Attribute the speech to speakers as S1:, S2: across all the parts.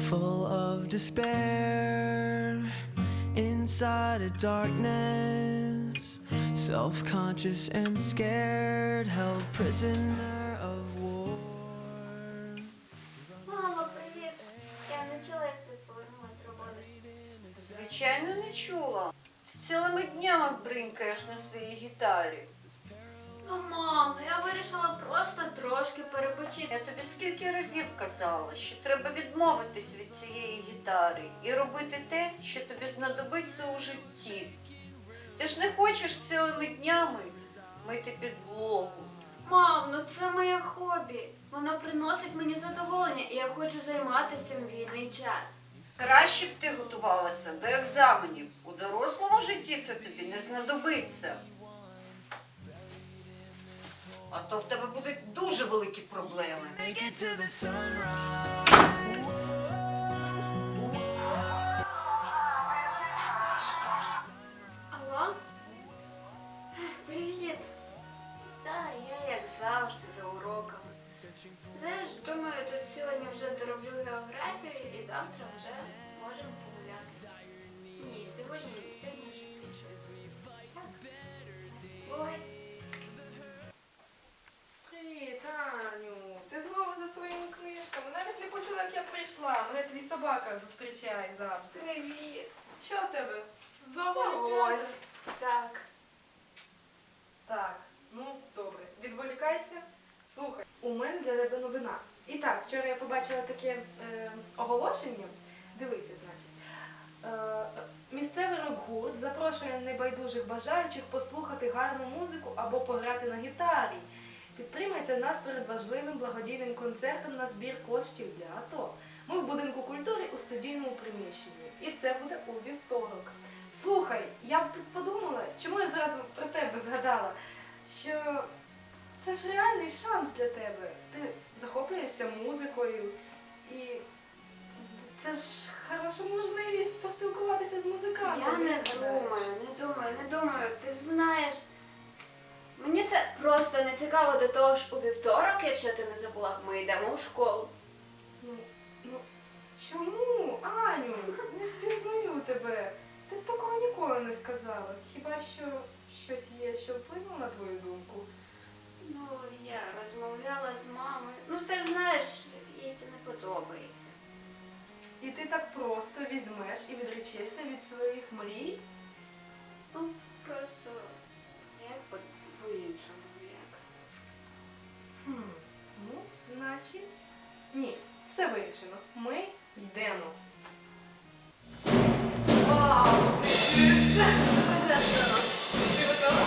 S1: full of despair, inside a darkness, self-conscious and scared, held prisoner of war.
S2: Мамо, привіт! Я не чула, як ти повернулась з роботи.
S3: Звичайно, не чула. Ти цілими днями бринкаєш на своїй гітарі.
S2: Ну, мам, я вирішила просто трошки перепочити.
S3: Я тобі скільки разів казала, що треба відмовитись від цієї гітари і робити те, що тобі знадобиться у житті. Ти ж не хочеш цілими днями мити підлогу.
S2: Мам, ну це моє хобі. Воно приносить мені задоволення, і я хочу займатися цим вільний час.
S3: Краще б ти готувалася до екзаменів. У дорослому житті це тобі не знадобиться. А то в тебе будуть дуже великі проблеми.
S1: Make it to the sunrise.
S2: Алло? Привіт. Та я, як завжди, за уроками. Знаєш, думаю, тут сьогодні вже дороблю географію і завтра вже можемо погуляти. Ні, сьогодні вже пізно. Так. Ой.
S4: Привіт, Аню. Ти знову за своїми книжками. Навіть не почула, як я прийшла. Мене твій собака зустрічає завжди.
S2: Привіт.
S4: Що в тебе? Знову
S2: Ось.
S4: олімпіада?
S2: Так.
S4: Так, ну добре. Відволікайся. Слухай, у мене для тебе новина. І так, вчора я побачила таке оголошення. Дивися, значить. Місцевий рок-гурт запрошує небайдужих бажаючих послухати гарну музику або пограти на гітарі. Підтримайте нас перед важливим благодійним концертом на збір коштів для АТО. Ми в будинку культури у студійному приміщенні. І це буде у вівторок. Слухай, я б тут подумала, чому я зразу про тебе згадала, що це ж реальний шанс для тебе. Ти захоплюєшся музикою і це ж хороша можливість поспілкуватися з музикантами.
S2: Я не думаю. Ти ж знаєш, мені це просто не цікаво. До того ж у вівторок, якщо ти не забула, ми йдемо у школу.
S4: Ну, чому, Аню? Не впізнаю тебе. Ти б такого ніколи не сказала. Хіба що щось є, що вплинуло на твою думку?
S2: Ну, я розмовляла з мамою. Ну, ти ж знаєш, їй це не подобається.
S4: І ти так просто візьмеш і відречешся від своїх мрій?
S2: Ну, просто як по-іншому, як.
S4: Ну, значить... Ні, все вирішено. Ми йдемо.
S2: Вау, ти чуєш це? Це божественно.
S4: Ти готова?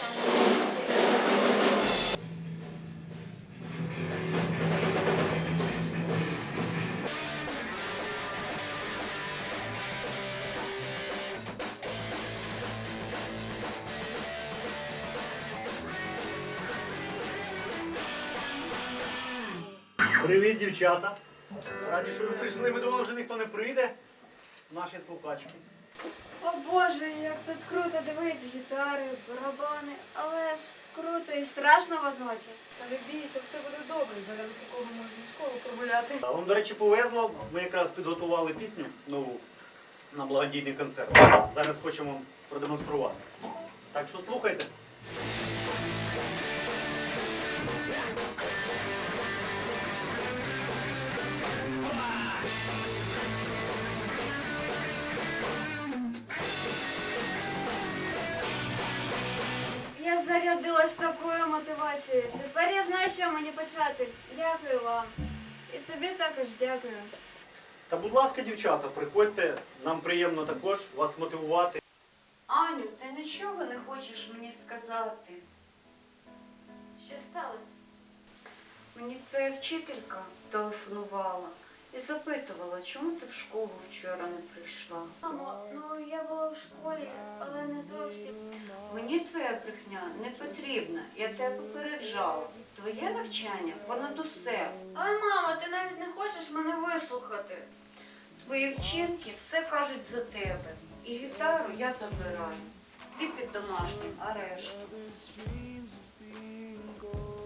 S5: Привіт, дівчата. Раді, що ви прийшли. Ми думали, вже ніхто не прийде. Наші слухачки.
S2: О Боже, як тут круто, дивись, гітари, барабани, але ж круто і страшно водночас.
S4: Та не бійся, все буде добре. Заради такого можна в школу прогуляти.
S5: А вам, до речі, повезло. Ми якраз підготували пісню нову на благодійний концерт. Зараз хочемо вам продемонструвати. Так що слухайте.
S2: Я зарядилась такою мотивацією. Тепер я знаю, що мені почати. Дякую вам. І тобі також дякую.
S5: Та, будь ласка, дівчата, приходьте. Нам приємно також вас мотивувати.
S3: Аню, ти нічого не хочеш мені сказати?
S2: Що сталося?
S3: Мені твоя вчителька телефонувала і запитувала, чому ти в школу вчора не прийшла.
S2: Мамо, ну я була в школі, але не зовсім.
S3: Мені твоя брехня не потрібна, я тебе попереджала. Твоє навчання понад усе.
S2: Але, мамо, ти навіть не хочеш мене вислухати.
S3: Твої вчинки все кажуть за тебе. І гітару я забираю. Ти під домашнім арештом.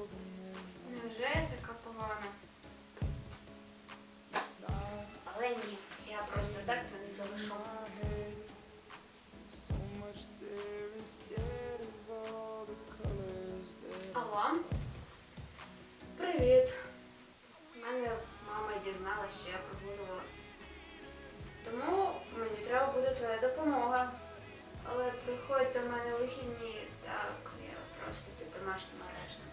S2: Невже я така погана? Але ні. домашнім арештом.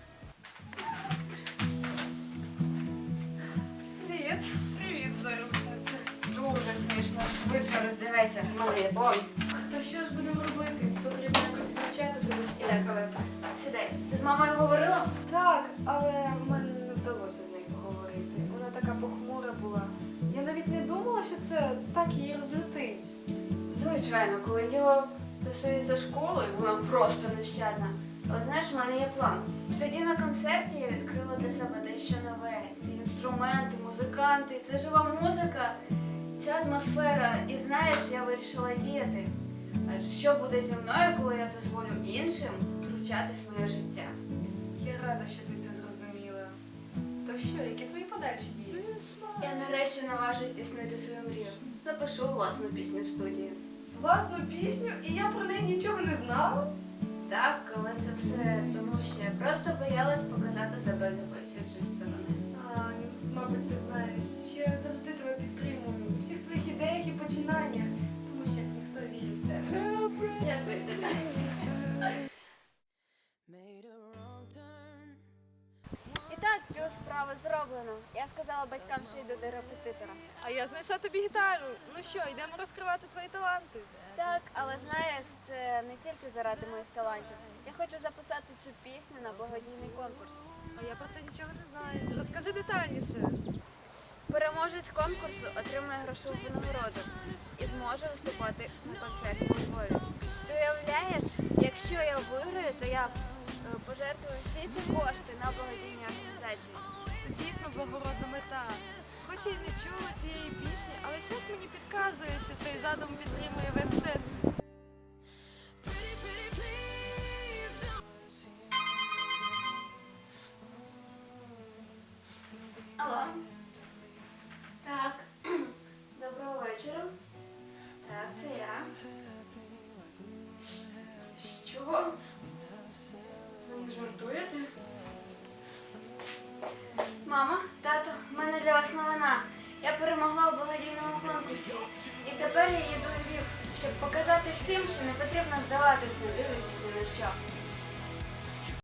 S4: Привіт. Привіт, заручниця.
S2: Дуже смішно. Швидше роздягайся, малий. Ой.
S4: Та що ж будемо робити? Потрібно якось вивчати тебе
S2: Сідай, Калета. Сідай. Ти з мамою говорила?
S4: Так, але мене не вдалося з нею поговорити. Вона така похмура була. Я навіть не думала, що це так її розлютить.
S2: Звичайно, коли діло стосується школи, вона просто нещадна. Але знаєш, в мене є план. Тоді на концерті я відкрила для себе дещо нове. Ці інструменти, музиканти, це жива музика, ця атмосфера. І знаєш, я вирішила діяти. Адже що буде зі мною, коли я дозволю іншим втручатись в моє життя?
S4: Я рада, що ти це зрозуміла. То що, які твої подальші дії?
S2: Я нарешті наважусь здійснити свою мрію. Запишу власну пісню в студії.
S4: Власну пісню, і я про неї нічого не знала?
S2: Так, але це все тому, що я просто боялась показати себе з якоїсь іншої сторони.
S4: Мабуть, ти знаєш, що я завжди тебе підтримую у всіх твоїх ідеях і починаннях, тому що ніхто вірить в тебе.
S2: Дякую тобі. І так, цю справу зроблено. Я сказала батькам, що йду до репетитора.
S4: А я знайшла тобі гітару. Ну що, йдемо розкривати твої таланти?
S2: Так, але знаєш, це не тільки заради моїх талантів. Я хочу записати цю пісню на благодійний конкурс.
S4: А я про це нічого не знаю. Розкажи детальніше.
S2: Переможець конкурсу отримає грошову винагороду і зможе виступати на концерті у Львові. Ти уявляєш, якщо я виграю, то я пожертвую всі ці кошти на благодійні організації.
S4: Це дійсно благородна мета. Хоч я й не чула цієї пісні, але щось мені підказує, що цей задум підтримує весь всесвіт.
S2: Алло. Так. Доброго вечора. Так, це я. Що? Ви не жартуєте? Мама, тато, в мене для вас новина. Я перемогла у благодійному конкурсі. І тепер я їду у Львів, щоб показати всім, що не потрібно здаватись, не дивлячись ні на що.